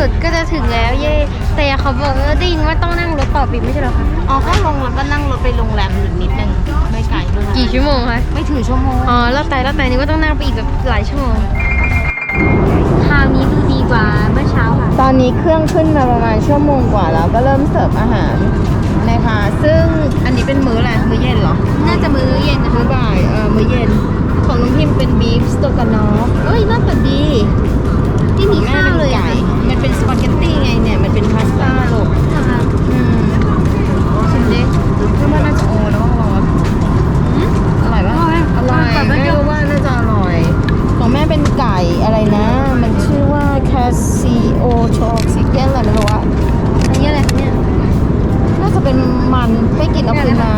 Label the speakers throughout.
Speaker 1: สุดก็จะถึงแล้วเย่แต่เขาบอกว่าได้ยินว่าต้องนั่งรถต่อปีไม่ใช่เหรอคะ
Speaker 2: อ๋อก็ลงแล้วก็นั่งรถไปโรงแรมอีกนิดนึงไม่ไกลด้วย
Speaker 1: กี่ชั่วโมงคะ
Speaker 2: ไม่ถึงชั่วโมง
Speaker 1: อ๋อแล้วแต่นี่ก็ต้องนั่งไปอีกแบบหลายชั่วโมงคราวนี้ดูดีกว่าเมื่อเช้าค่ะ
Speaker 2: ตอนนี้เครื่องขึ้นมาประมาณชั่วโมงกว่าแล้วก็เริ่มเสิร์ฟอาหารนะคะซึ่งอันนี้เป็นมื้ออะไรมื้อเย็นเหรอ
Speaker 1: น่าจะมื้อเย็นนะ
Speaker 2: มื้
Speaker 1: คะ
Speaker 2: อบ่ายมื้อเย็นของน้องพิมเป็นบีฟสโตกานอฟเอ้ยน่าจะดี
Speaker 1: ที่มีข้าวเลย
Speaker 2: ไก่มันเป็นสปาเกตตี้ไงเนี่ยมันเป็นพาสต้าลูก
Speaker 1: นะคะ
Speaker 2: ชิมดิคิดว่าน่าจะโอแล้วก็ร้อนอร่อยปะอร่อยแม่รู้ว่าน่าจะอร่อยของแม่เป็นไก่อะไรนะ มันชื่อว่าแคสซิโอโชออกซิเจนอะไรไม่รู้อะ
Speaker 1: อันนี้อะไรคะเนี่ย
Speaker 2: น่าจะเป็นมันไปกินเอาคืนมา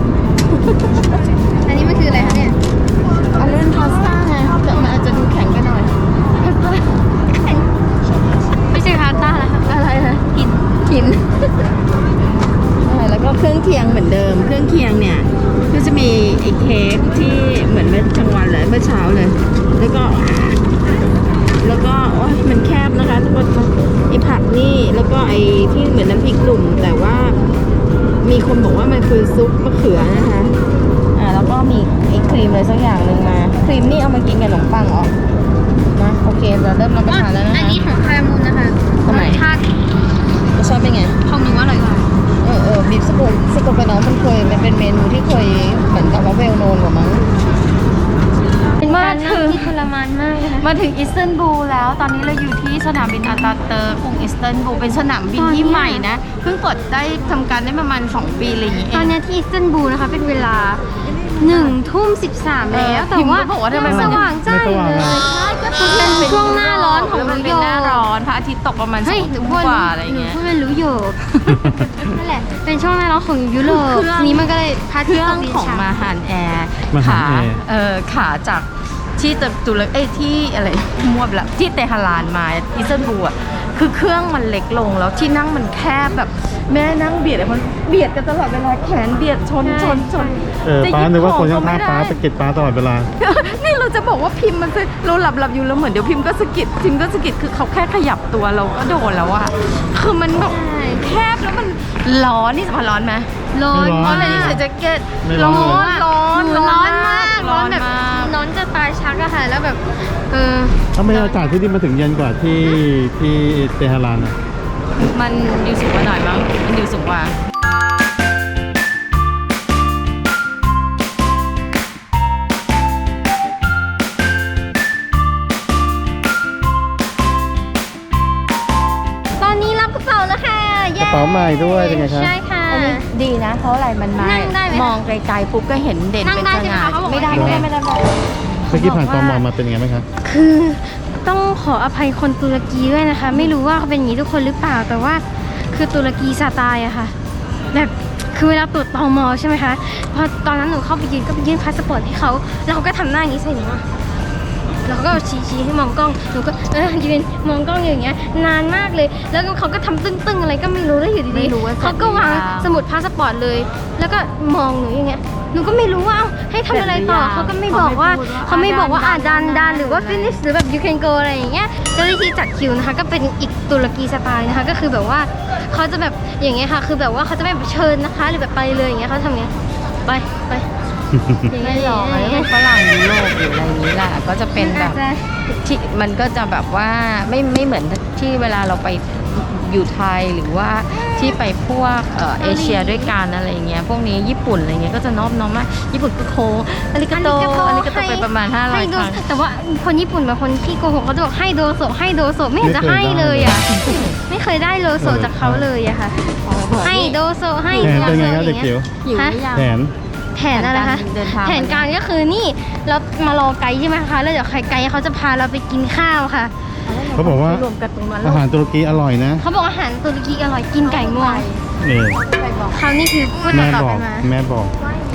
Speaker 1: อันนี้มันคืออะไรคะเนี่ย
Speaker 2: อันนี้เป็นพาสต้าไงแต่มันอาจจะดูแข็งไปหน่อย
Speaker 1: ไม่ใช่พาสต้าแล้วค่ะ
Speaker 2: อะไรนะ
Speaker 1: กิน
Speaker 2: กินใช่แล้วก็เครื่องเคียงเหมือนเดิม เครื่องเคียงเนี่ยก็จะมีไอ้เค้กที่เหมือนเมื่อกลางวันเลยเมื่อเช้าเลย แล้วก็โอ๊ยมันแคบนะคะทุกคนไอ้ผักนี่แล้วก็ไอ้ที่เหมือนน้ำพริกหนุ่มแต่ว่ามีคนบอกว่ามันคือซุปมะเขือนะคะแล้วก็มีไอ้ครีมอะไรสักอย่างหนึ่งมาครีมนี่เอามากินกับขนมปังอ๋อนะโอเคเราเริ่มรับประทานแล้วนะคะ
Speaker 1: อันนี้ของคารามูนนะคะ
Speaker 2: ทำไม
Speaker 1: รสชาติ
Speaker 2: รสชาติเป็นไง
Speaker 1: ของหนูอร่อยกว่า
Speaker 2: บีฟสโกไปน้องมันเป็นเมนูที่เคยเหมือนกับว่าเวลโนนกว่ามั้ง
Speaker 1: เป็นการนั่งที่ทรมานมากเลยนะ
Speaker 3: มาถึงอิสตันบูลแล้วตอนนี้เราอยู่ที่สนามบินอาตาเตอร์กรุงอิสตันบูลเป็นสนามบินที่ใหม่นะเพิ่งเปิดได้ทำการได้ประมาณ2 ปีอะไรอย่างเงี้ย
Speaker 1: ตอนนี้ที่อิสตันบูลนะคะเป็นเวลา1:13แล้วแต่ว่า
Speaker 3: พิมพ์ก็บอกว่าทำไม
Speaker 1: ยัง
Speaker 3: มัน
Speaker 1: สว่างจ้าอยู่เลยเป็นช่วงหน้าร้อนของ
Speaker 3: มัน
Speaker 1: นิ
Speaker 3: เป็
Speaker 1: วย
Speaker 3: น
Speaker 1: อ
Speaker 3: หน้า
Speaker 1: ร์ก
Speaker 3: ร้อนพระอาทิตย์ตกประมาณ
Speaker 1: เฮ้ย
Speaker 3: 2 ทุ่มกว่าอะไรเงี้ย
Speaker 1: หนูพูดเป็นรู้อยู่ นั่นแหละเป็นช่วงหน้าร้อนของยุโรป
Speaker 3: เครื่อง
Speaker 1: ทีนี้มันก็เลยพา
Speaker 3: เค
Speaker 1: ทิต
Speaker 3: รื่
Speaker 1: ย์
Speaker 3: อ
Speaker 1: ต
Speaker 3: ง
Speaker 1: กดิน
Speaker 3: ของ
Speaker 1: ช้า
Speaker 3: มาฮานแอร์
Speaker 4: มาฮา
Speaker 3: ขาน
Speaker 4: แอร์
Speaker 3: ขาจากที่ตุรกีที่อะไรมั่วไปละที่เตหะรานมาอิสตันบูลอ่ะคือเครื่องมันเล็กลงแล้วที่นั่งมันแคบแบบแม่นั่งเบียดไอ้คนเบียดกันตลอดเวลาแขนเบียดชน
Speaker 4: ป้านึกว่าคน
Speaker 3: จะหยิ
Speaker 4: ข้าง
Speaker 3: บ
Speaker 4: ๆป้า
Speaker 3: ของก็
Speaker 4: สะกิดป้าตลอดเวลา
Speaker 3: นี่เราจะบอกว่าพิมพ์มันคือเราหลับอยู่แล้วเหมือนเดี๋ยวพิมพ์ก็สะกิดคือเขาแค่ขยับตัวเราก็โดนแล้วอะคือมันแบบแคบแล้วมันร้อนนี่สมร้อนไหม
Speaker 1: ร้อน
Speaker 4: ไม่ร้
Speaker 3: ร้อน
Speaker 4: น
Speaker 3: อะไรนี่ใส่แจ็คเก็ต
Speaker 4: ไม่ร้
Speaker 3: ร้
Speaker 4: อ
Speaker 3: อน น
Speaker 4: เลย
Speaker 3: ร้อน
Speaker 1: หนูร้อนมากร้อนแบบ
Speaker 3: มาก
Speaker 1: ร้อนจะตายชักอะค่ะแล้วแบบ
Speaker 4: ทำไมอากาศที่นี่มาถึงเย็นกว่าที่เตหะรานอ่ะ
Speaker 3: มันดิวสูงกว่าหน่อยมั้งมันดิวสูงกว่า
Speaker 1: ตอนนี้รับกระเป๋าแล้วค่ะ
Speaker 4: กระเป๋าใหม่ด้วยเป็นไงครับ
Speaker 1: ใช่ค่ะ
Speaker 3: อันนี้ดีนะเพราะอะไรมันมา
Speaker 1: นั่งได้ไหมคะ
Speaker 3: มองไกลๆปุ๊บก็เห็นเด่น
Speaker 1: นั่ง
Speaker 3: เป็น
Speaker 1: ได้
Speaker 3: ส
Speaker 1: ใช่ไหม
Speaker 3: ง่า
Speaker 1: คะเขาบอกว่า
Speaker 3: ไม่ได้
Speaker 1: ไม่ได้
Speaker 3: ไม่ได้
Speaker 4: เมื่อกี้ผ่านตมมาเป็นไงไหมครับ
Speaker 1: คือต้องขออภัยคนตุรกีด้วยนะคะ ไม่รู้ว่าเขาเป็นอย่างนี้ทุกคนหรือเปล่าแต่ว่าคือตุรกีสไตล์อะค่ะแบบคือเวลาตรวจตมใช่ไหมคะพอตอนนั้นหนูเข้าไปยืนก็ไปยื่นพาสปอร์ตให้เขาแล้วเขาก็ทำหน้าอย่างนี้ใส่หนูอะแล้วเขาก็ชี้ให้มองกล้องหนูก็ยืนมองกล้องอย่างเงี้ยนานมากเลย แล้วก็เขาก็ทำตึ้งๆอะไรก็ไม่รู้แล้วอยู่
Speaker 3: ไม่
Speaker 1: ดี
Speaker 3: รู้ว่า
Speaker 1: ๆเขาก็วางสมุดพาสปอร์ตเลย แล้วก็มองหนูอย่างเงี้ยหนูก็ไม่รู้ว่าเอ้าให้ทำอะไรต่อเขาก็ไม่บอกว่าเขาไม่บอกว่าดันหรือว่า finish หรือแบบ you can go อะไรอย่างเงี้ยเจ้าหน้าที่จัดคิวนะคะก็เป็นอีกตุรกีสไตล์นะคะก็คือแบบว่าเขาจะแบบอย่างเงี้ยค่ะคือแบบว่าเขาจะไม่แบบเชิญนะคะหรือแบบไปเลยอย่างเงี้ยเขาทำเงี้ยไปอย่าง
Speaker 3: ไม่
Speaker 1: เงี้ย
Speaker 3: หรอกอันนี้เป็นฝรั่งยุโรปหรืออะไรอย่างนี้แหละก็จะเป็นแบบ
Speaker 1: อาจจะ
Speaker 3: ที่มันก็จะแบบว่าไม่เหมือนที่เวลาเราไปอยู่ไทยหรือว่าที่ไปพวกเอเชียด้วยกันอะไรอย่างเงี้ยพวกนี้ญี่ปุ่นอะไรเงี้ยก็จะนอบน้อมมากญี่ปุ่นก็โคอาริกาโตไปประมาณ500
Speaker 1: ให้
Speaker 3: ค
Speaker 1: โด
Speaker 3: รั้ง
Speaker 1: แต่ว่าคนญี่ปุ่นบางคนที่โกหกเขาจะบอกให้โดโซไม่เห็นจะให้เลยอ่ะไม่เคยได้โลโซจากเขาเลยอะค่ะให้โดโซให้
Speaker 4: แผนเป็นไง
Speaker 1: โด
Speaker 4: ครับ
Speaker 1: โซ
Speaker 4: เด็กจิ๋ว
Speaker 3: หิวหรือยัง
Speaker 4: แผน
Speaker 1: แผนอะไรคะ
Speaker 3: เดินทาง
Speaker 1: แผนการก็คือนี่เรามารอไกด์ใช่ไหมคะแล้วเดี๋ยวไกด์เขาจะพาเราไปกินข้าวค่ะ
Speaker 4: เขาบอกว่า
Speaker 3: รวมกันตรงนั้น
Speaker 4: อาหารตุรกีอร่อยนะ
Speaker 1: เขาบอกอาหารตุรกีอร่อยกินไก่งวง
Speaker 4: นี่
Speaker 1: เขานี่คือพูด
Speaker 4: แม่
Speaker 1: ต่อ
Speaker 4: บอก
Speaker 1: กันมา
Speaker 4: แม่บอก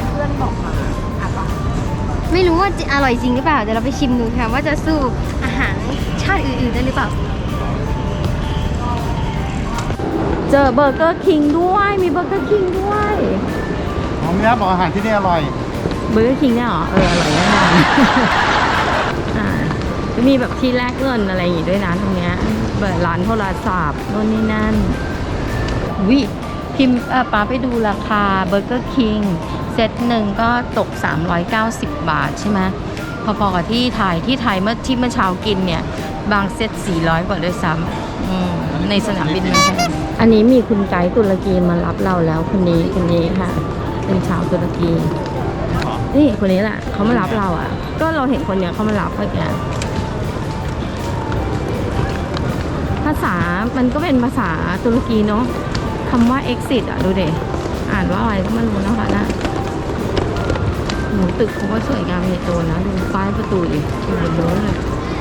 Speaker 1: ไม่รู้ว่าจะอร่อยจริงหรือเปล่าเดี๋ยวเราไปชิมดูค่ะว่าจะสู้อาหารชาติอื่นๆได้หรือเปล่า
Speaker 3: เจอเบอร์เกอร์คิงด้วยมีเบอร์เกอร์คิงด้วย
Speaker 4: อ๋อแม่บอกอาหารที่นี่อร่อย
Speaker 3: เบอร์เกอร์คิงเนี่ยเหรออร่อยแน่นอน จะมีแบบที่แลกเงินอะไรอย่างงี้ด้วยนะตรงเนี้ยเปิดร้านโทรศัพท์โน่นนี่นั่นวิพิมพ์ป้าไปดูราคาเบอร์เกอร์คิงเซตหนึ่งก็ตก390 บาทใช่ไหมพอๆกับที่ไทยเมื่อเช้ากินเนี่ยบางเซต400 กว่าด้วยซ้ำในสนามบินมันแพงอันนี้มีคุณไกด์ตุรกีมารับเราแล้วคนนี้ค่ะเป็นชาวตุรกีนี่คนนี้แหละเขามารับเราอ่ะก็เราเห็นคนเนี้ยเขามารับเมื่อกี้ภาษามันก็เป็นภาษาตุรกีเนาะคำว่า exit อ่ะดูเด็อ่านว่าอะไรก็ไม่รู้นะคะนะหนูตึกเขาก็สวยงามใหญ่โตนะดูป้ายประตูดิอยู่บนโน้นเลย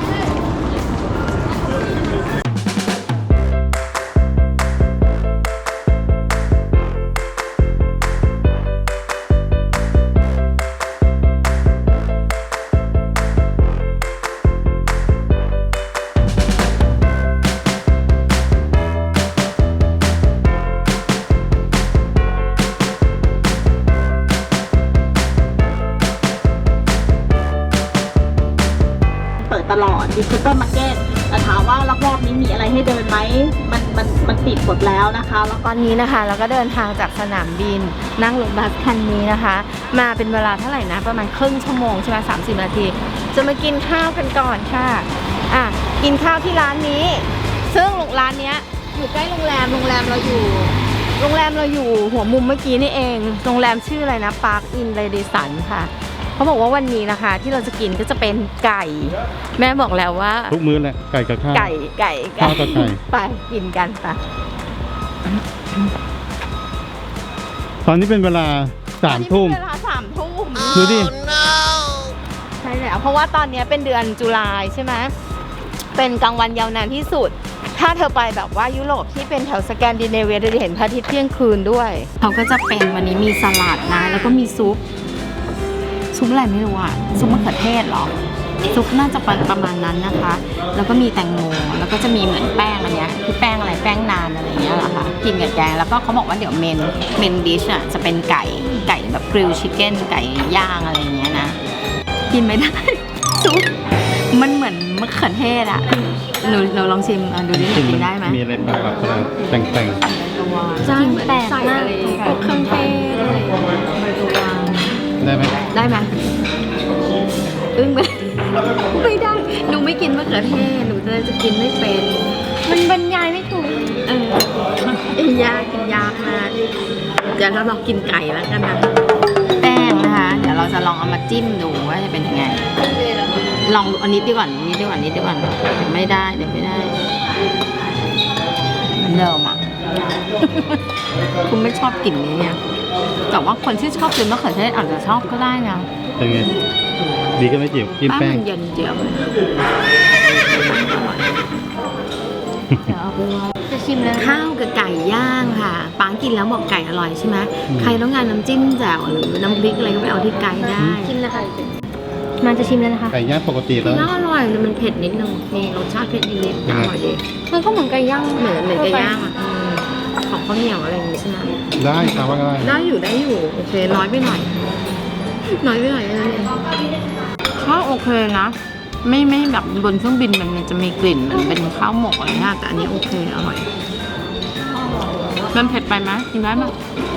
Speaker 2: ตลอดดิจิตอลมาร์เก็ตแต่ถามว่ารอบๆนี้มีอะไรให้เดินไหมมันปิดหมดแล้วนะคะแล้วตอนนี้นะคะเราก็เดินทางจากสนามบินนั่งรถบัสคันนี้นะคะมาเป็นเวลาเท่าไหร่นะประมาณครึ่งชั่วโมงใช่ไหม30 นาทีจะมากินข้าวกันก่อนค่ะกินข้าวที่ร้านนี้ซึ่งร้านนี้อยู่ใกล้โรงแรมเราอยู่หัวมุมเมื่อกี้นี่เองโรงแรมชื่ออะไรนะ Park Inn Radisson ค่ะเขาบอกว่าวันนี้นะคะที่เราจะกินก็จะเป็นไก่แม่บอกแล้วว่า
Speaker 4: ทุกมื้อแหละไก่กับข้าว
Speaker 2: ไก่
Speaker 4: ข้าวกับไก่
Speaker 2: ไปกินกันไป
Speaker 4: ตอนนี้เป็นเวลา3 ทุ่ม
Speaker 2: เวลา3 ทุ่ม
Speaker 4: ดูดิ
Speaker 2: ใช่แล้วเพราะว่าตอนนี้เป็นเดือนตุลาใช่ไหมเป็นกลางวันยาวนานที่สุดถ้าเธอไปแบบว่ายุโรปที่เป็นแถวสแกนดิเนเวียจะเห็นพระอาทิตย์เที่ยงคืนด้วยเขาก็จะเป็นวันนี้มีสลัดนะแล้วก็มีซุปอะไรไม่รู้อ่ะซุปมะเขือเทศหรอซุปน่าจะประมาณนั้นนะคะแล้วก็มีแตงโมแล้วก็จะมีเหมือนแป้งอันเนี้ยคือแป้งอะไรแป้งนานอะไรเงี้ยเหรอคะกินกับแกงแล้วก็เขาบอกว่าเดี๋ยวเมนดิชอ่ะจะเป็นไก่แบบกริลชิคเก้นไก่ย่างอะไรเงี้ยนะกินไม่ได้ซุปมันเหมือนมะเขือเทศอ่ะหนูลองชิมดูดิกินได้ไหม
Speaker 4: มีอะไรบ้างแบบแต่ง
Speaker 1: จ้างแปลกมากพวกเครื่องเทศอะไร
Speaker 4: ได้ไหม
Speaker 2: ได้ไหมอึ้งไหมไม่ได้หนูไม่กินมะเขือเทศหนูจะกินไม่เป็น
Speaker 1: มันบรรยายไม่ถูก
Speaker 2: กินยากมากเดี๋ยวเราลองกินไก่แล้วกันนะแป้งนะคะเดี๋ยวเราจะลองเอามาจิ้มดูว่าจะเป็นยังไงลองอันนี้ดีกว่านิดดีกว่าเดี๋ยวไม่ได้เหมือนเดิมอ่ะ คุณไม่ชอบกลิ่นนี้เนี่ยแต่ว่าคนที่ชอบกินมะเขือเทศอาจจะชอบก็ได้นะ
Speaker 4: เป็นไงดีก็ไม่จิ๋วกินแป้ง
Speaker 2: มันเย็นเจียว
Speaker 1: จะชิมแล้ว
Speaker 2: ข้าวกับไก่ย่างค่ะปังกินแล้วบอกไก่อร่อยใช่ไหมใครต้องการน้ำจิ้มแจ่วหรือน้ำพริกอะไรก็ไปเอาที่ไก่ได้
Speaker 1: ชิมแล้วค่ะมันจะชิมแล้วนะคะ
Speaker 4: ไก่ย่างปกติแล้ว
Speaker 2: น่าอร่อยเลยมันเผ็ดนิดนึงมีรสชาติเผ็ดนิดๆอร่อยดี
Speaker 1: มันก็เหมือนไก่ย่าง
Speaker 2: เหมือนไก่ย่างอ่ะของข้าวเหนียวอะไรอย่างนี้ใช่ไหม
Speaker 4: ได้ครับว่าก็
Speaker 2: ได้อยู่โอเคน้อยไปหน่อยนั่นเองข้าวโอเคนะไม่แบบบนเครื่องบินมันจะมีกลิ่นมันเป็นข้าวหมกอะไรเงี้ยแต่อันนี้โอเคอร่อยมันเผ็ดไปไหมกินได้ไหม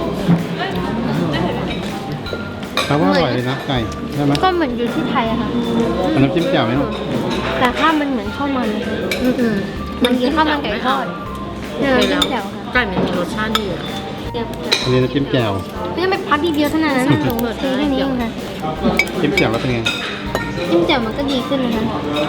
Speaker 4: ครับว่าอร่อยเลยนะไก่ใช่ไหม
Speaker 1: ก็เหมือนอยู่ที่ไทยอะค่ะ
Speaker 4: น้ำจิ้มแจ่วไหมลูก
Speaker 1: แต่ข้าวมันเหมือนข้าวมันมันกินข้าวมันไก่ทอดน้ำจิ้มแจ่วค่ะ
Speaker 2: ไก่มันมีรสชาติดีอ่ะ
Speaker 4: อันนี้น้ำจิ้มแจ่ว
Speaker 1: ไม่ต้องไปพักดีเดียวเท่านั้นนะลงรสแค่นี้เองค่ะ
Speaker 4: จิ้มแจ่วแล้วเป็นไง
Speaker 1: จิ้มแจ่วมันก็ดีขึ้นนะคะ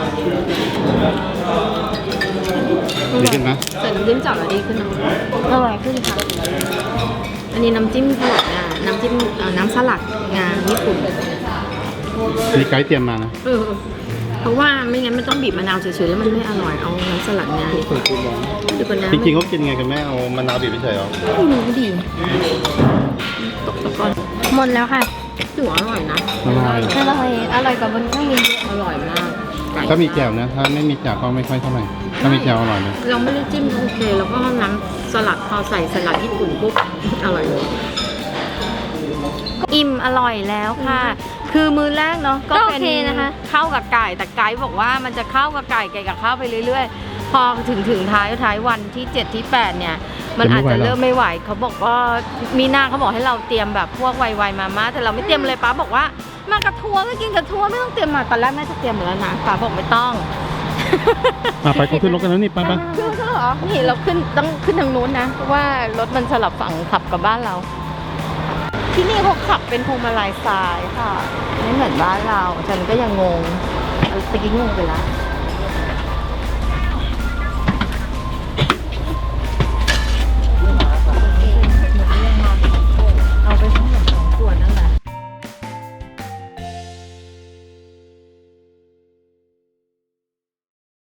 Speaker 4: ดีขึ้นไหม
Speaker 2: ใส่น้ำจิ้มแจ่วแล้วดีขึ้นนะ
Speaker 1: อร่อยขึ้นค่ะ
Speaker 2: อันนี้น้ำจิ้มสลัดงาน้ำจิ้มน้ำสลัดงาญี่ปุ่น
Speaker 4: มีไกด์เตรียมมานะ
Speaker 2: เพราะว่าไม่งั้นไม่ต้องบีบมะนาวเฉยๆแล้วมันไม่อร่อยเอาน้ำสลัดงา
Speaker 4: ดูกันนะจริงๆเขากินไงกันแม่เอามะนาวบีบไปเฉยหรอ
Speaker 2: ไม่รู้ดีตกตะกอน
Speaker 1: หมดแล้วค่ะ
Speaker 2: ถือว่าอร่อยนะ
Speaker 1: อร่อยกว่าบนเครื่องบิน
Speaker 2: อร่อยมาก
Speaker 4: ถ้ามีแจ่วนะถ้าไม่มีแจ่วก็ไม่ค่อยเท่าไหร่ถ้ามีแจ่วอร่อยเลย
Speaker 2: เราไม่ได้จิ้มโอเคแล้วก็น้ำสลัดพอใส่สลัดญี่ปุ่นปุ๊บอร่อยเลยอิ่มอร่อยแล้วค่ะคือมื้อแรกเนาะก็เป็นนะคะเข้ากับไก่แต่ไก่บอกว่ามันจะเข้ากับไก่กับข้าวไปเรื่อยๆ
Speaker 3: พอถึงท้ายวันที่ 7 ที่ 8 เนี่ย มันอาจจะเริ่มไม่ไหวเขาบอกว่ามีนาเขาบอกให้เราเตรียมแบบพวกไวมาม่าแต่เราไม่เตรียมเลยป้าบอกว่ามากระทัวก็กินกระทัวไม่ต้องเตรียมมาตอนแรกแม่จะเตรียมหมดแล้วนะป้าบอกไม่ต้อง
Speaker 4: ไปก็ขึ้นรถกันแล้วนี่ไปไป
Speaker 3: คือเหรอนี่เราต้องขึ้นทางนู้นนะเพราะว่ารถมันสลับฝั่งขับกับบ้านเรา ที่นี่เขาขับเป็นพวงมาลัยซ้ายค่ะไม่เหมือนบ้านเราฉันก็ยังงงตะกี้งงไปแล้ว